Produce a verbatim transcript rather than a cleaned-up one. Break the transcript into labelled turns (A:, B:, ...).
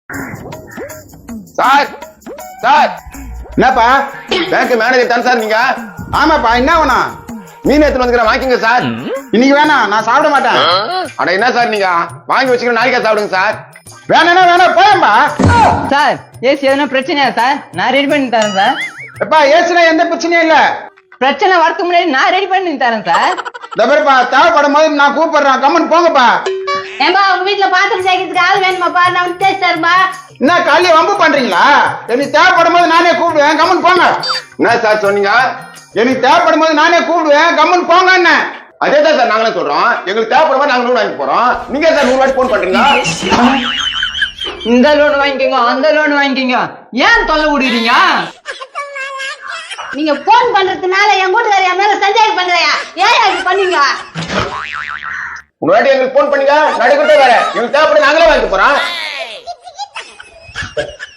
A: Sir sir
B: என்னப்பா?
A: Bank manager தான் sir நீங்க?
B: ஆமாப்பா, என்ன வேணும்?
A: மீன் எடுத்துட்டு வந்துக்கிறேன், வாங்கிங்க சார்.
B: இன்னைக்கு வேணாம், நான் சாப்பிட மாட்டேன்.
A: அட என்ன சார் நீங்க வாங்கி வச்சுக்கிற நாளைக்கா சாப்பிடுங்க சார்.
B: வேணா வேணா போயம்பா.
C: சார் ஏசி எதனா பிரச்சனையா சார்? நான் ரெடி பண்ணி தரேன் சார்.
B: எப்பா ஏசுனா எந்த பிரச்சனையும் இல்ல.
C: பிரச்சனை வரதுக்கு முன்னாடி நான் ரெடி பண்ணி தரேன் சார்.
B: தபர்ப்பா, தேவைப்படும் போது நான் கூப்பிடுறேன், கம்மன் போங்கப்பா.
D: ஏம்பா உங்க வீட்டுல பாத்திரம் சேர்க்கறதுக்கு ஆள் வேணுமாப்பா? நான் வந்து தேய்ச்சி தரேன்பா.
B: என்ன காலையில வம்பு பண்றீங்களா? எனக்கு தேவைப்படும் போது நானே கூப்பிடுவேன், கம்மன் போங்க.
A: என்ன சார் சொன்னீங்க?
B: எனக்கு தேவைப்படும் போது நானே கூப்பிடுவேன், கம்மன் போங்க. என்ன
A: அதே தான் சார் நாங்களும் சொல்றோம். எங்களுக்கு தேவைப்படும் போது நாங்க லோன் வாங்கி போறோம். நீங்க சார் நூறு வாட்டி போன் பண்றீங்க.
C: இந்த லோன் வாங்கிக்கோங்க, அந்த லோன் வாங்கிக்கோங்க, ஏன் தொல்லை விடுறீங்க?
D: நீங்க போன் பண்றதுனால என் வீட்டுக்கார என் மேல சந்தேகம் பண்றியா? ஏன் அப்படி பண்ணீங்க?
A: ஒரு வாட்டி எங்களுக்கு போன் பண்ணீங்க, நடுக்கிட்டே வேற. எங்களுக்கு தேவைப்படும் நாங்களே வாங்கி போறோம்.